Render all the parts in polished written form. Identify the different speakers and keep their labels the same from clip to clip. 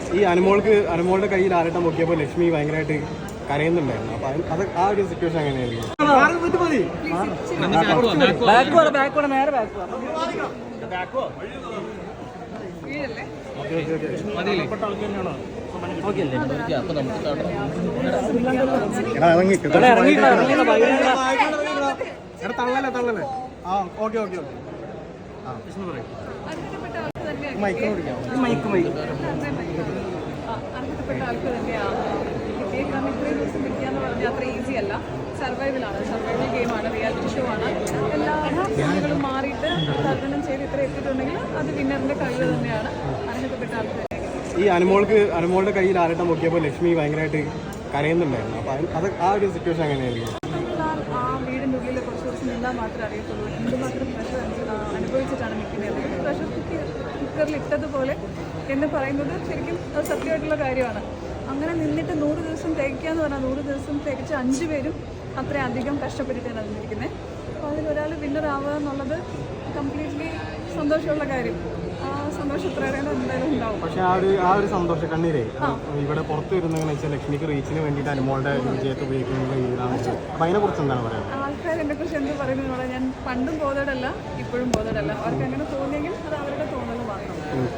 Speaker 1: ഈ അനുമോളുടെ കയ്യിൽ ആരട്ടം പൊക്കിയപ്പോൾ ലക്ഷ്മി ഭയങ്കരമായിട്ട് കരയുന്നുണ്ടായിരുന്നു. അപ്പൊ അത് ആ ഒരു സിറ്റുവേഷൻ എങ്ങനെയായിരിക്കും? തള്ളല്ലേ. ആ ഓക്കെ ഓക്കെ ഓക്കെ. ആ വിഷ്ണു പറയും.
Speaker 2: അർഹതപ്പെട്ട ആൾക്ക് തന്നെയാണ് കിട്ടിയത്. കാരണം ഇത്രയും ദിവസം കിട്ടിയെന്ന് പറഞ്ഞാൽ അത്ര ഈസി അല്ല. സർവൈവൽ ഗെയിമാണ്, റിയാലിറ്റി ഷോ ആണ്. എല്ലാ രീതികളും മാറിയിട്ട് തർജ്ജനം ചെയ്ത് ഇത്ര എത്തിയിട്ടുണ്ടെങ്കിൽ അത് വിന്നറിന്റെ കഴിവ് തന്നെയാണ്. അർഹതപ്പെട്ട ആൾക്ക്
Speaker 1: ഈ അനുമോളുടെ കയ്യിൽ ആരട്ടം പൊക്കിയപ്പോൾ ലക്ഷ്മി ഭയങ്കരമായിട്ട് കരയുന്നുണ്ടായിരുന്നു. അപ്പൊ അത് ആ ഒരു സിറ്റുവേഷൻ എങ്ങനെയായിരിക്കും?
Speaker 2: ആ വീടിൻ്റെ ഉള്ളിൽ കുറച്ച് ദിവസം നിന്നാൽ മാത്രമേ അറിയത്തുള്ളൂ എന്തുമാത്രം പ്രഷർ അനുഭവിച്ചിട്ടാണ് നിൽക്കുന്നത്. പ്രഷർ കുക്കറിൽ ഇട്ടതുപോലെ എന്ന് പറയുന്നത് ശരിക്കും അത് സത്യമായിട്ടുള്ള കാര്യമാണ്. അങ്ങനെ നിന്നിട്ട് 100 ദിവസം തികയ്ക്കുക എന്ന് പറഞ്ഞാൽ 100 ദിവസം തികച്ച് 5 പേരും അത്രയധികം കഷ്ടപ്പെട്ടിട്ടാണ് നിന്നിരിക്കുന്നത്. അപ്പോൾ അതിലൊരാൾ വിന്നറാവുക എന്നുള്ളത് കംപ്ലീറ്റ്ലി സന്തോഷമുള്ള കാര്യം. ആ സന്തോഷം എത്രയേറെ എന്തായാലും ഉണ്ടാവും.
Speaker 1: പക്ഷേ ആ ഒരു സന്തോഷ കണ്ണീരേ ഇവിടെ പുറത്തു വരുന്നതെന്ന് വെച്ചാൽ ലക്ഷ്മിക്ക് റീച്ചിന് വേണ്ടിയിട്ട് അനുമോളുടെ വിജയത്തെ ഉപയോഗിക്കുന്ന രീതിയിലാണ്. അപ്പം അതിനെക്കുറിച്ച് എന്താണ് പറയുന്നത്?
Speaker 2: ആൾക്കാർ എന്നെക്കുറിച്ച് എന്ത് പറയുന്നത് ഞാൻ പണ്ടും ബോധേഡല്ല, ഇപ്പോഴും ബോധേഡല്ല. അവർക്ക് അങ്ങനെ തോന്നിയെങ്കിൽ അത് അവരുടെ തോന്നൽ മാത്രം.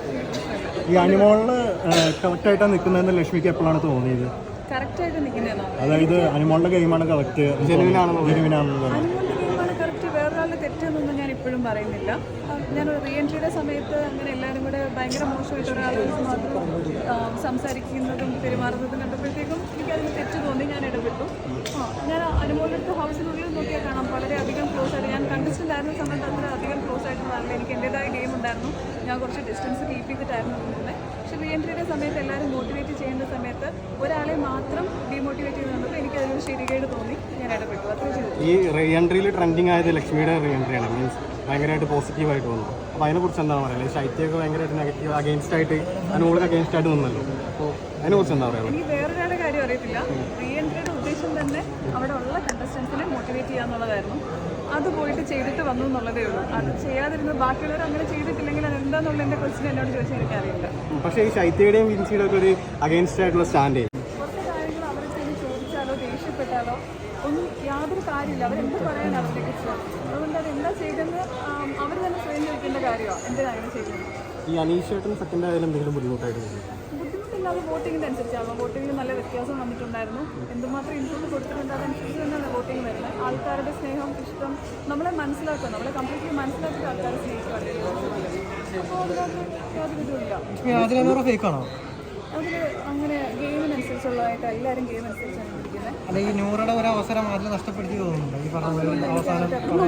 Speaker 1: ഈ അനുമോളിന് കറക്റ്റായിട്ടാണ് നിൽക്കുന്നതെന്ന് ലക്ഷ്മിക്ക് എപ്പോഴാണ് തോന്നിയത്?
Speaker 2: കറക്റ്റായിട്ട് നിൽക്കുന്നതെന്നോ?
Speaker 1: അതായത് അനുമോളുടെ ഗെയിമാണ് കറക്റ്റ്, ജെനുവിനാണെന്ന്
Speaker 2: അനുമോളുടെ ഗെയിമാണ് കറക്റ്റ്, വേറൊരാളുടെ തെറ്റെന്നൊന്നും ഞാൻ ഇപ്പോഴും പറയുന്നില്ല. ഞാൻ റീ എൻട്രിയുടെ സമയത്ത് അങ്ങനെ എല്ലാവരും കൂടെ ഭയങ്കര മോശമായിട്ട് ഒരാളെ മാത്രം സംസാരിക്കുന്നതും പെരുമാറുന്നതും കണ്ടപ്പോഴത്തേക്കും എനിക്കതിന് തെറ്റ് തോന്നി. ഞാൻ ഇടപെട്ടു. ഞാൻ അനുമോളുടെ ഹൗസിനുള്ളിൽ നോക്കിയാൽ കാണാം വളരെയധികം ക്ലോസ് ആയിട്ട്. ഞാൻ കണ്ടസ്റ്റൻ്റ് ആയിരുന്ന സമയത്ത് അത്ര അധികം ക്ലോസ് ആയിട്ടുള്ളതല്ല. എനിക്ക് എൻ്റേതായ ഗെയിം ഉണ്ടായിരുന്നു. ഞാൻ കുറച്ച് ഡിസ്റ്റൻസ് കീപ്പ് ചെയ്തിട്ടായിരുന്നു നിന്നത്. പക്ഷേ റീ എൻട്രിയുടെ സമയത്ത് എല്ലാവരും മോട്ടിവേറ്റ് ചെയ്യുന്ന സമയത്ത് ഒരാളെ മാത്രം ഡീമോട്ടിവേറ്റ് ചെയ്ത് തന്നപ്പോൾ എനിക്കതിനൊരു ശരികേട് തോന്നി. ഞാൻ ഇടപെട്ടു. അത്രയും ചെയ്തു.
Speaker 1: ഈ റീ എൻട്രിയിൽ ട്രെൻഡിങ് ആയത് ലക്ഷ്മിയുടെ റീ എൻട്രിയാണ്. മീൻസ് ഭയങ്കരമായിട്ട് പോസിറ്റീവായിട്ട് വന്നു. അപ്പോൾ അതിനെക്കുറിച്ച് എന്താണ് പറയുന്നത്? ശൈത്യമൊക്കെ ഭയങ്കരമായിട്ട് നെഗറ്റീവ് അഗെയിൻസ്റ്റ് ആയിട്ട് അനുമോൾക്ക് അഗെയിൻസ്റ്റ് ആയിട്ട് നിന്നല്ലോ. അപ്പോൾ അതിനെക്കുറിച്ച് എന്താ പറയുക?
Speaker 2: എനിക്ക് വേറൊരാളുടെ കാര്യം അറിയത്തില്ല. റീ എൻട്രിയുടെ ഉദ്ദേശം തന്നെ അവിടെ ഉള്ള കണ്ടസ്റ്റൻസിനെ മോട്ടിവേറ്റ് ചെയ്യുക എന്നുള്ളതായിരുന്നു. അത് പോയിട്ട് ചെയ്തിട്ട് വന്നു എന്നുള്ളതേ ഉള്ളൂ. അത് ചെയ്യാതിരുന്ന ബാക്കിയുള്ളവർ അങ്ങനെ ചെയ്തിട്ടില്ലെങ്കിൽ അത് എന്താണെന്നുള്ള എൻ്റെ ക്വസ്റ്റ്യൻ എന്നോട് ചോദിച്ചാൽ എനിക്കറിയില്ല.
Speaker 1: പക്ഷേ ഈ ശൈത്യയുടെയും വിൻസിയുടെ ഒക്കെ ഒരു അഗെയിൻസ്റ്റ് ആയിട്ടുള്ള സ്റ്റാൻഡ്
Speaker 2: കുറച്ച് കാര്യങ്ങൾ അവർക്ക് ചോദിച്ചാലോ ദേഷ്യപ്പെട്ടാലോ ഒന്നും യാതൊരു കാര്യമില്ല. അവരെന്ത് പറയാൻ അവരുടെ കുറിച്ച്. അതുകൊണ്ട് അത് എന്താ ചെയ്തെന്ന് അവർ തന്നെ സ്വയം ചോദിക്കേണ്ട കാര്യമാണ്. എന്തിനാണ് അങ്ങനെ ചെയ്യുന്നത്?
Speaker 1: ഈ അനീഷേട്ടൻ സെക്കൻഡ് ആയാലും എന്തെങ്കിലും ബുദ്ധിമുട്ടായിട്ട് തോന്നുന്നു?
Speaker 2: ബുദ്ധിമുട്ടില്ലാതെ വോട്ടിങ്ങിൻ്റെ അനുസരിച്ചാണോ? വോട്ടിങ്ങിൽ നല്ല വ്യത്യാസം വന്നിട്ടുണ്ടായിരുന്നു. എന്തുമാത്രം ഇൻപുട്ട് കൊടുത്തിട്ടുണ്ട് അതനുസരിച്ച് തന്നെയാണ് വോട്ടിങ് വരുന്നത്. ആൾക്കാരുടെ സ്നേഹം, ഇഷ്ടം നമ്മളെ മനസ്സിലാക്കുക, നമ്മളെ കംപ്ലീറ്റ്ലി മനസ്സിലാക്കിയിട്ട് ആൾക്കാരെ സ്നേഹിക്കുകയല്ലേ. അപ്പോൾ അതിനകത്ത് യാതൊരു ഇതുമില്ല.
Speaker 3: ഫേക്കാണോ
Speaker 2: അതിൽ അങ്ങനെ ഗെയിമിനനുസരിച്ചുള്ളതായിട്ട് എല്ലാവരും ഗെയിം അനുസരിച്ചാണ് ഇരിക്കുന്നത്.
Speaker 3: അല്ല, ഈ നൂറുടെ ഒരു അവസരം അതിൽ നഷ്ടപ്പെടുത്തി തോന്നുന്നുണ്ട്. ഈ പറഞ്ഞ അവസാനം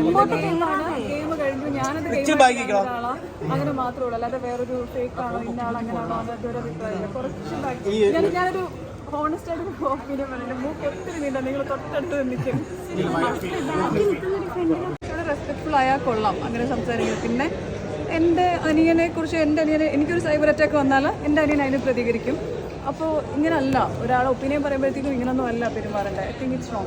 Speaker 2: ഗെയിം കഴിഞ്ഞു ഞാനത് ആളാ അങ്ങനെ മാത്രമേ ഉള്ളൂ. അല്ലാതെ വേറൊരു ഫേക്കാണോ ഇന്ന ആൾ അങ്ങനെയാണോ അതൊരു അഭിപ്രായമില്ല. കുറച്ച് ഞാനൊരു ഹോണസ്റ്റ് ആയിട്ട് ഒപ്പീനിയൻ പറയുന്നത്. മൂക്ക് ഒത്തിരി നീണ്ട നിങ്ങൾ തൊട്ടടുത്ത് നിൽക്കും. റെസ്പെക്ട്ഫുൾ ആയാൽ കൊള്ളാം അങ്ങനെ സംസാരിക്കുന്നത്. പിന്നെ എൻ്റെ അനിയനെക്കുറിച്ച് എനിക്കൊരു സൈബർ അറ്റാക്ക് വന്നാൽ എൻ്റെ അനിയൻ അതിന് പ്രതികരിക്കും. അപ്പോൾ ഇങ്ങനല്ല ഒരാളെ ഒപ്പീനിയൻ പറയുമ്പോഴത്തേക്കും ഇങ്ങനൊന്നും അല്ല പെരുമാറേണ്ടത്. I think it's wrong.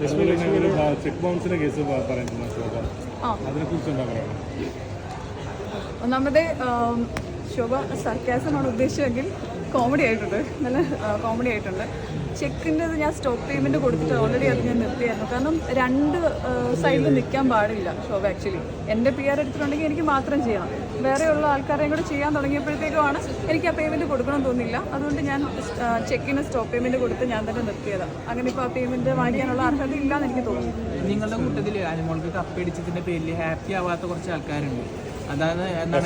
Speaker 2: ഒന്നാമത് ശോഭ സർക്കാസമാണ് ഉദ്ദേശിച്ചതെങ്കിൽ കോമഡി ആയിട്ടുണ്ട്, നല്ല കോമഡി ആയിട്ടുണ്ട്. ചെക്കിൻ്റെത് ഞാൻ സ്റ്റോപ്പ് പേയ്മെൻറ്റ് കൊടുത്തിട്ട് ഓൾറെഡി അത് ഞാൻ നിർത്തിയായിരുന്നു. കാരണം 2 സൈഡിൽ നിൽക്കാൻ പാടില്ല ശോഭ. ആക്ച്വലി എൻ്റെ PR എടുത്തിട്ടുണ്ടെങ്കിൽ എനിക്ക് മാത്രം ചെയ്യണം. വേറെയുള്ള ആൾക്കാരെയും കൂടെ ചെയ്യാൻ തുടങ്ങിയപ്പോഴത്തേക്കുമാണ് എനിക്ക് ആ പേയ്മെൻറ്റ് കൊടുക്കണം തോന്നില്ല. അതുകൊണ്ട് ഞാൻ ചെക്കിന് സ്റ്റോപ്പ് പേയ്മെൻറ്റ് കൊടുത്ത് ഞാൻ തന്നെ നിർത്തിയതാണ്. അങ്ങനെ ഇപ്പോൾ ആ പേയ്മെൻറ്റ് വാങ്ങിക്കാനുള്ള അർഹത ഇല്ലയെന്ന് എനിക്ക് തോന്നുന്നു.
Speaker 4: നിങ്ങളുടെ കൂട്ടത്തിൽ അനുമോൾക്ക് കപ്പടിച്ചതിൻ്റെ പേരിൽ ഹാപ്പി ആവാത്ത കുറച്ച് ആൾക്കാരുണ്ട്. അതായത് എന്താണ്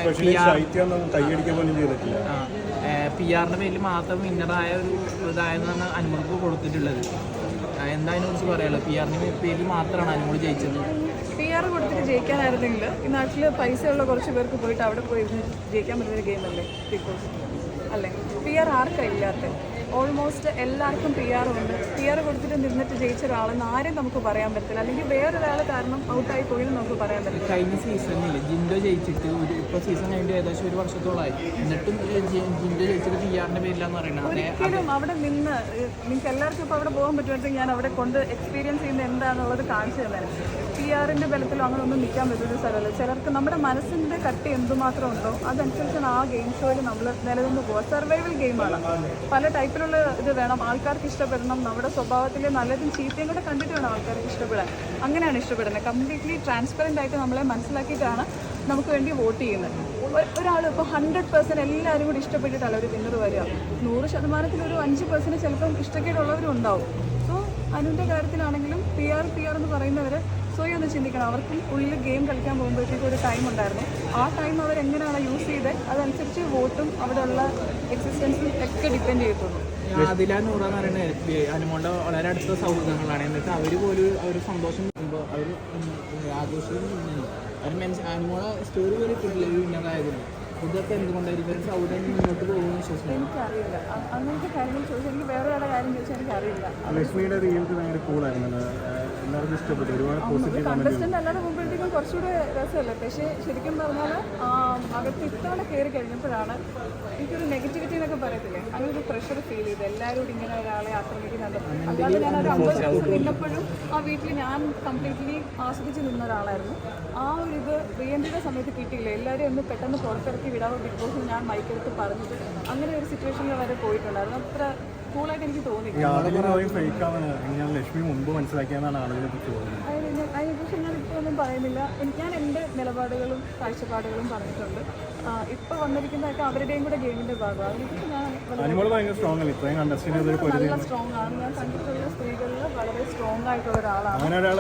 Speaker 4: PR-ന്റെ പേരിൽ മാത്രം വിന്നറായ ഒരു ഇതായെന്നാണ് അനുമോൾക്ക് കൊടുത്തിട്ടുള്ളത്. എന്താ അതിനെക്കുറിച്ച് പറയാനുള്ളത്? PR-ന്റെ പേരിൽ മാത്രമാണ് അനുമോൾ ജയിച്ചത്.
Speaker 2: PR കൊടുത്തിട്ട് ജയിക്കാനായിരുന്നെങ്കിൽ ഈ നാട്ടിൽ പൈസയുള്ള കുറച്ച് പേർക്ക് പോയിട്ട് അവിടെ പോയി ജയിക്കാൻ പറ്റുന്ന ഗെയിമല്ലേ ബിഗ് ബോസ് അല്ലേ? PR ആർക്കാണ് ഇല്ലാത്ത? ഓൾമോസ്റ്റ് എല്ലാവർക്കും PR ഉണ്ട്. PR കൊടുത്തിട്ട് നിന്നിട്ട് ജയിച്ച ഒരാളെന്ന് ആരും നമുക്ക് പറയാൻ പറ്റില്ല, അല്ലെങ്കിൽ വേറൊരാൾ കാരണം ഔട്ടായി പോയി നമുക്ക് പറയാൻ പറ്റില്ല.
Speaker 4: കഴിഞ്ഞ സീസണിൽ ജിൻഡോ ജയിച്ചിട്ട് ഇപ്പോൾ സീസൺ കഴിഞ്ഞിട്ട് ഏകദേശം 1 വർഷത്തോളമായി, എന്നിട്ടും ജിൻഡോ ജയിച്ചിട്ട് PR-ന്റെ പേരിലാന്ന് പറയുന്നത്.
Speaker 2: ഒരിക്കലും അവിടെ നിന്ന് നിങ്ങൾക്ക് എല്ലാവർക്കും ഇപ്പോൾ അവിടെ പോകാൻ പറ്റുമെങ്കിൽ ഞാൻ അവിടെ കൊണ്ട് എക്സ്പീരിയൻസ് ചെയ്യുന്നത് എന്താണെന്നുള്ളത് കാണിച്ചു തന്നേനെ. PR-ന്റെ ബലത്തിലോ അങ്ങനെ ഒന്നും നിൽക്കാൻ പറ്റുന്ന സ്ഥലമല്ല. ചിലർക്ക് നമ്മുടെ മനസ്സിൻ്റെ കട്ടി എന്തുമാത്രം ഉണ്ടോ അതനുസരിച്ചാണ് ആ ഗെയിം ഷോയിൽ നമ്മൾ നിലനിന്ന് പോകുക. സർവൈവൽ ഗെയിമാണ്, പല ടൈപ്പിലുള്ള ഇത് വേണം, ആൾക്കാർക്ക് ഇഷ്ടപ്പെടണം, നമ്മുടെ സ്വഭാവത്തിലെ നല്ലതും ചീത്തയും കൂടെ കണ്ടിട്ട് വേണം ആൾക്കാർക്ക് ഇഷ്ടപ്പെടാൻ. അങ്ങനെയാണ് ഇഷ്ടപ്പെടുന്നത്. കംപ്ലീറ്റ്ലി ട്രാൻസ്പെറൻ്റ് ആയിട്ട് നമ്മളെ മനസ്സിലാക്കിയിട്ടാണ് നമുക്ക് വേണ്ടി വോട്ട് ചെയ്യുന്നത്. ഒരാൾ ഇപ്പോൾ 100% എല്ലാവരും കൂടി ഇഷ്ടപ്പെട്ടിട്ടല്ല ഒരു വിന്നർ വരിക. 100% ഒരു 5% ചിലപ്പം ഇഷ്ടക്കേടുള്ളവരും ഉണ്ടാവും. സോ അനുവിൻ്റെ കാര്യത്തിലാണെങ്കിലും PR എന്ന് പറയുന്നവർ സ്വയം ഒന്ന് ചിന്തിക്കണം. അവർക്കും ഉള്ളിൽ ഗെയിം കളിക്കാൻ പോകുമ്പോഴത്തേക്കും ഒരു ടൈം ഉണ്ടായിരുന്നു. ആ ടൈം അവരെങ്ങനെയാണ് യൂസ് ചെയ്തത് അതനുസരിച്ച് വോട്ടും അവിടെയുള്ള എക്സിസ്റ്റൻസും ഒക്കെ ഡിപ്പെൻഡ് ചെയ്യത്തുള്ളൂ.
Speaker 4: അതില നൂറാന്ന് പറയുന്നത് അനുമോളുടെ വളരെ അടുത്ത സൗഹൃദങ്ങളാണ്. എന്നിട്ട് അവർ പോലും അവർ സന്തോഷം കിട്ടുമ്പോൾ അവർ ആഘോഷിക്കുന്നു. അവർ അനുമോളെ സ്റ്റോറി പോലും ഇട്ടിട്ടില്ല ഈ വിന്നറായതിന്. ഇതൊക്കെ എന്തുകൊണ്ടായിരിക്കും ഒരു സൗഹൃദം മുന്നോട്ട് പോകുമെന്ന് വിശ്വസിക്കുന്നു.
Speaker 2: എനിക്കറിയില്ല, അങ്ങനത്തെ കാര്യങ്ങൾ ചോദിച്ചാൽ എനിക്ക് വേറെ ഒരാളുടെ കാര്യം ചോദിച്ചാൽ എനിക്കറിയില്ല.
Speaker 1: ലക്ഷ്മിയുടെ റിയൽസ് ഭയങ്കര കൂളായിരുന്നു, എല്ലാവർക്കും ഇഷ്ടപ്പെട്ടു, ഒരുപാട് പോസിറ്റീവ്
Speaker 2: കണ്ടസ്റ്റന്റ് അല്ലാതെ പോകുമ്പോഴത്തേക്കും കുറച്ചുകൂടെ രസമല്ലേ. പക്ഷേ ശരിക്കും പറഞ്ഞാൽ അകത്ത് ഇത്തവണ കയറി കഴിഞ്ഞപ്പോഴാണ് എനിക്കൊരു നെഗറ്റിവിറ്റി എന്നൊക്കെ പറയത്തില്ലേ, അങ്ങനെ ഒരു പ്രഷർ ഫീൽ ചെയ്ത് എല്ലാവരും ഇങ്ങനെ ഒരാളെ ആക്രമിക്കുന്നുണ്ട്. അല്ലാതെ ഞാനൊരു 50 നിന്നപ്പോഴും ആ വീട്ടിൽ ഞാൻ കംപ്ലീറ്റ്ലി ആസ്വദിച്ച് നിന്ന ഒരാളായിരുന്നു. ആ ഒരു ഇത് റീഎൻട്രിയുടെ സമയത്ത് കിട്ടിയില്ല. എല്ലാവരും ഒന്ന് പെട്ടെന്ന് പുറത്തിറക്കി വിടാവോ ബിഗ് ബോസിൽ ഞാൻ മൈക്കെടുത്ത് പറഞ്ഞിട്ട് അങ്ങനെ ഒരു സിറ്റുവേഷനിൽ വരെ പോയിട്ടുണ്ടായിരുന്നു. അത്ര കൂളായിട്ട് എനിക്ക് തോന്നി.
Speaker 1: ലക്ഷ്മി മുമ്പ് മനസ്സിലാക്കിയെന്നാണ് ആളുകളെ കുറിച്ച് തോന്നുന്നത്.
Speaker 2: അതിനെക്കുറിച്ച് ഞാനിപ്പോൾ ഒന്നും പറയുന്നില്ല. ഞാൻ എൻ്റെ നിലപാടുകളും കാഴ്ചപ്പാടുകളും പറഞ്ഞിട്ടുണ്ട്. ഇപ്പോൾ വന്നിരിക്കുന്നതൊക്കെ അവരുടെയും കൂടെ ഗെയിമിൻ്റെ ഭാഗമാണ്. അതിനെക്കുറിച്ച് ഞാൻ
Speaker 1: ഭയങ്കര സ്ട്രോങ് അല്ല, ഇത്രയും കണ്ടസ്റ്റന്റ്
Speaker 2: നല്ല സ്ട്രോങ് ആണ്. ഞാൻ കണ്ടിട്ടുള്ള സ്ത്രീകളിൽ വളരെ സ്ട്രോങ് ആയിട്ടുള്ള ഒരാളാണ്.
Speaker 1: അങ്ങനെ ഒരാളെ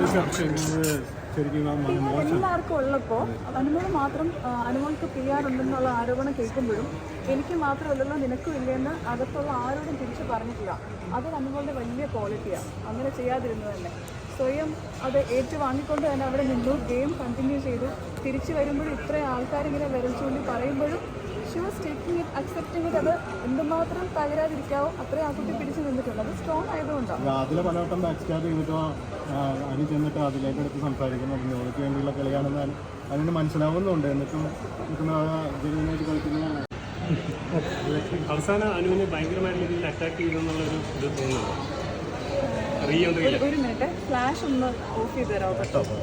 Speaker 2: എല്ലാവർക്കും ഉള്ളപ്പോൾ അനുമോൾ മാത്രം അനുമോൾക്ക് PR ഉണ്ടെന്നുള്ള ആരോപണം കേൾക്കുമ്പോഴും എനിക്ക് മാത്രമല്ലല്ലോ നിനക്കും ഇല്ലെന്ന് അകത്തുള്ള ആരോടും തിരിച്ചു പറഞ്ഞിട്ടില്ല. അത് അനുമോളുടെ വലിയ ക്വാളിറ്റിയാണ്. അങ്ങനെ ചെയ്യാതിരുന്നത് തന്നെ സ്വയം അത് ഏറ്റുവാങ്ങിക്കൊണ്ട് തന്നെ അവിടെ നിന്നു, ഗെയിം കണ്ടിന്യൂ ചെയ്തു. തിരിച്ചു വരുമ്പോഴും ഇത്രയും ആൾക്കാരിങ്ങനെ വിരൽ ചൂണ്ടി പറയുമ്പോഴും she was taking it, accepting it. അത് എന്തുമാത്രം തകരാതിരിക്കാവോ അത്രയും ആ കുട്ടി പിടിച്ചു നിന്നിട്ടുണ്ട്. അത് സ്ട്രോങ് ആയതുകൊണ്ടാണ്.
Speaker 1: അതിലെ പലവട്ടം ബാക്ക് സ്റ്റാർ ചെയ്തിട്ടോ അരി ചെന്നിട്ട് അതിലേക്ക് എടുത്ത് സംസാരിക്കുന്നുണ്ട്. ഓർക്ക് വേണ്ടിയുള്ള കളിയാണെന്ന് അതിന് മനസ്സിലാവുന്നുണ്ട്. എന്നിട്ടും ജനുവിനായിട്ട് കളിക്കുന്നതാണ്.
Speaker 5: അവസാനം അനുവിനെ ഭയങ്കരമായിട്ടുള്ള രീതിയിൽ അറ്റാക്ക് ചെയ്തെന്നുള്ളൊരു ഇത് തോന്നുന്നുണ്ട്.
Speaker 2: ഒരു മിനിറ്റ്, ഫ്ലാഷ് ഒന്ന് ഓഫ് ചെയ്ത് തരാമോ?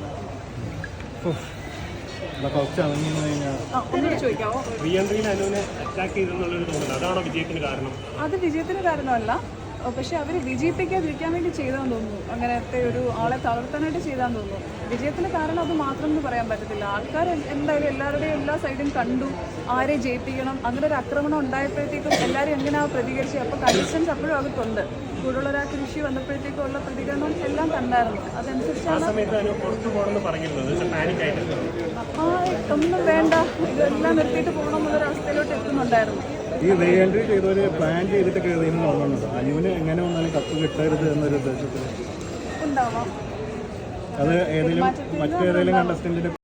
Speaker 2: ചോദിക്കാവോ?
Speaker 5: റീഎൻട്രിയിൽ അനുവിനെ അറ്റാക്ക് ചെയ്തെന്നുള്ളൊരു തോന്നുന്നു. അതാണോ വിജയത്തിന് കാരണം?
Speaker 2: അത് വിജയത്തിന് കാരണമല്ല, പക്ഷെ അവർ വിജയിപ്പിക്കാതിരിക്കാൻ വേണ്ടി ചെയ്താന്ന് തോന്നുന്നു. അങ്ങനത്തെ ഒരു ആളെ തളർത്താനായിട്ട് ചെയ്താന്ന് തോന്നുന്നു. വിജയത്തിന് കാരണം അത് മാത്രം എന്ന് പറയാൻ പറ്റത്തില്ല. ആൾക്കാർ എന്തായാലും എല്ലാവരുടെയും എല്ലാ സൈഡും കണ്ടു, ആരെ ജയിപ്പിക്കണം. അങ്ങനെ ഒരു ആക്രമണം ഉണ്ടായപ്പോഴത്തേക്കും എല്ലാവരും എങ്ങനെയാണ് പ്രതികരിച്ചത്. അപ്പോൾ കൺസിസ്റ്റൻസ് അപ്പോഴും അവർക്കുണ്ട്. കൂടുതൽ ഒരാൾക്ക് കൃഷി വന്നപ്പോഴത്തേക്കും ഉള്ള പ്രതികരണം എല്ലാം കണ്ടായിരുന്നു. അതനുസരിച്ചാണ് ഒന്നും വേണ്ട, ഇതെല്ലാം നിർത്തിയിട്ട് പോകണം എന്നുള്ളൊരു അവസ്ഥയിലോട്ട് എത്തുന്നുണ്ടായിരുന്നു.
Speaker 1: ഈ റീ എൻട്രി ചെയ്തവര് പ്ലാൻ ചെയ്തിട്ട് കയറിയെന്ന് തോന്നുന്നുണ്ട്. അനുവിന് എങ്ങനെ വന്നാലും കപ്പ് കിട്ടരുത് എന്നൊരു ഉദ്ദേശത്തിൽ
Speaker 2: ഉണ്ടാവാം.
Speaker 1: അത് മറ്റേതെങ്കിലും കണ്ടസ്റ്റന്റിന്റെ